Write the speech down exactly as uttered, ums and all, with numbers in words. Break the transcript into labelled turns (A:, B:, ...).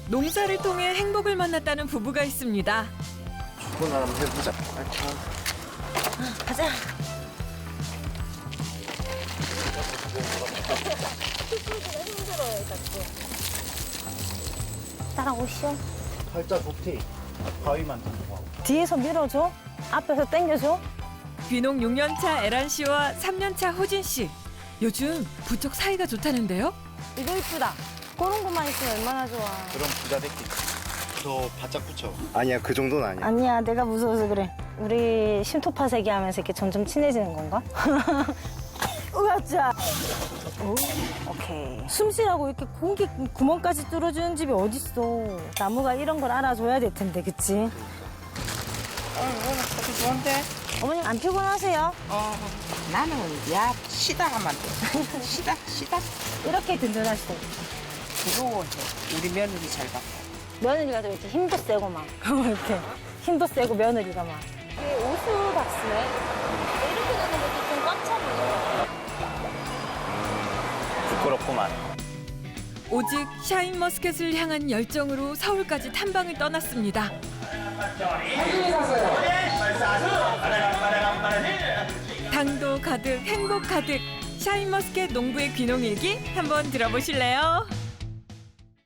A: 농사를 통해 행복을 만났다는 부부가 있습니다.
B: 축구나 한번 해보자.
C: 가자. 따라오시오.
B: 팔자 좋대. 바위만 들고.
C: 뒤에서 밀어줘. 앞에서 당겨줘.
A: 귀농 육 년 차 에란 씨와 삼 년 차 호진 씨. 요즘 부쩍 사이가 좋다는데요.
C: 이거 이쁘다. 그런 것만 있으면 얼마나 좋아.
B: 그럼 부자 됐기. 더 바짝 붙여. 아니야, 그 정도는 아니야.
C: 아니야, 내가 무서워서 그래. 우리 심토파색이 하면서 이렇게 점점 친해지는 건가? 으아짜. 오, 오케이. 숨 쉬라고 이렇게 공기 구멍까지 뚫어주는 집이 어딨어. 나무가 이런 걸 알아줘야 될 텐데, 그치?
D: 오늘 커피 좋은데?
C: 어머님 안 피곤하세요?
D: 어, 나는 야 쉬다 하면 돼. 쉬다 쉬다.
C: 이렇게 든든하시고.
D: 부러워해. 우리 며느리 잘 받고.
C: 며느리가 또 이렇게 힘도 세고 막. 이렇게 힘도 세고 며느리가 막. 이게 오수 박스네. 이렇게 되는 것도 좀 꽉 차네.
B: 부끄럽구만.
A: 오직 샤인머스켓을 향한 열정으로 서울까지 탐방을 떠났습니다. 당도 가득, 행복 가득. 샤인머스켓 농부의 귀농일기 한번 들어보실래요?